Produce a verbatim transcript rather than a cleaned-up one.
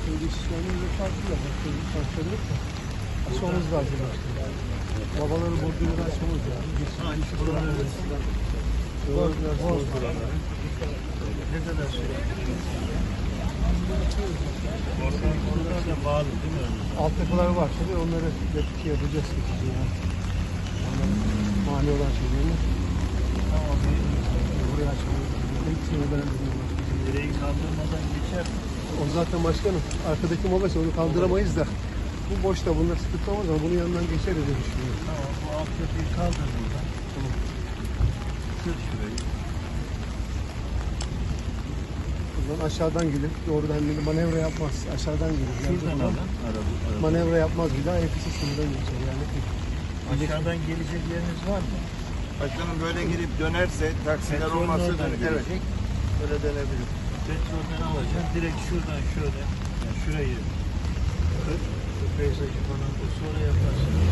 Köyde işçilerinin farklı da farklı yok da. Açmamız lazım işte. Babaları bozduğunu açmamız lazım. Ha, şu buraları boz, boz buraları. Ne kadar şey? Oradan, oradan da bağlı değil mi? Altyapılar var tabii, onları şey yapacağız. Yani. Onların mani olan şeylerini. Tamam. Buraya açmamız lazım. Hepsini öğrenmemiz lazım. Direği kaldırmadan geçer mi? O zaten başkanım. Arkadaki mola onu kaldıramayız da. Bu boşta, bunlar sıkıntı olmaz ama bunun yanından geçeriz diye düşünüyorum. Tamam, bu altyapıyı kaldır buradan. Tamam. Sür şurayı. Buradan aşağıdan gelip doğrudan bir manevra yapmaz. Aşağıdan gelir. Şuradan alın. Araba, araba. Manevra yapmaz bir daha hepsi sınırdan geçer yani. Aşağıdan gelecek yeriniz var mı? Başkanım böyle girip dönerse taksiler Petrolün olmazsa oradan döner. Evet. gelecek. Böyle dönebilir. Petrolden alacaksın. Direkt şuradan şöyle. Yani şurayı kır. Bu peyzajı falan da sonra yaparsın.